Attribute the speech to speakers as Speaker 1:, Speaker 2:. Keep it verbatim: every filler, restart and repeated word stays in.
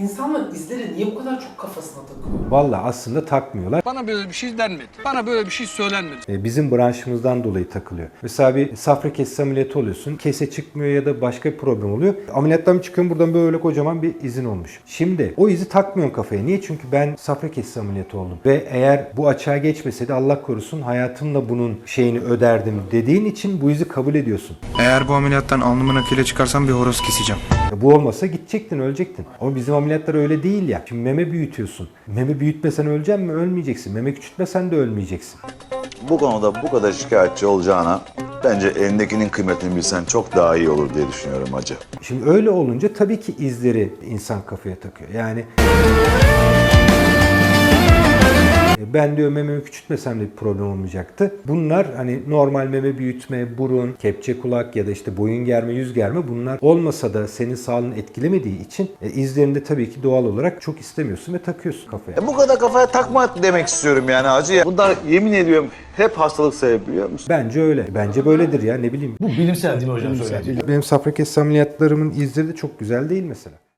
Speaker 1: insanlar izleri niye bu kadar çok kafasına takıyor?
Speaker 2: Vallahi aslında takmıyorlar.
Speaker 3: Bana böyle bir şey denmedi. Bana böyle bir şey söylenmedi.
Speaker 2: E, Bizim branşımızdan dolayı takılıyor. Mesela bir safra kesesi ameliyatı oluyorsun. Kese çıkmıyor ya da başka bir problem oluyor. Ameliyattan bir çıkıyorum, buradan böyle kocaman bir izin olmuş. Şimdi o izi takmıyorsun kafaya. Niye? Çünkü ben safra kesesi ameliyatı oldum. Ve eğer bu açığa geçmeseydi Allah korusun hayatımla bunun şeyini öderdim dediğin için bu izi kabul ediyorsun.
Speaker 4: Eğer bu ameliyattan alnımın akıyla çıkarsam bir horoz keseceğim.
Speaker 2: Ya bu olmasa gidecektin, ölecektin. Ama bizim ameliyatlar öyle değil ya. Şimdi meme büyütüyorsun. Meme büyütmesen öleceksin mi? Ölmeyeceksin. Meme küçültmesen de ölmeyeceksin.
Speaker 5: Bu konuda bu kadar şikayetçi olacağına bence elindekinin kıymetini bilsen çok daha iyi olur diye düşünüyorum hacı.
Speaker 2: Şimdi öyle olunca tabii ki izleri insan kafaya takıyor. Yani ben diyor mememi küçültmesem de bir problem olmayacaktı. Bunlar hani normal meme büyütme, burun, kepçe kulak ya da işte boyun germe, yüz germe bunlar olmasa da senin sağlığını etkilemediği için e, izlerini de tabii ki doğal olarak çok istemiyorsun ve takıyorsun kafaya.
Speaker 5: E bu kadar kafaya takma demek istiyorum yani hacı ya. Bunlar yemin ediyorum hep hastalık sebebi biliyor musun?
Speaker 2: Bence öyle. Bence böyledir ya, ne bileyim.
Speaker 6: Bu bilimsel değil mi hocam? Bilimsel.
Speaker 2: Benim safra kesesi ameliyatlarımın izleri de çok güzel değil mesela.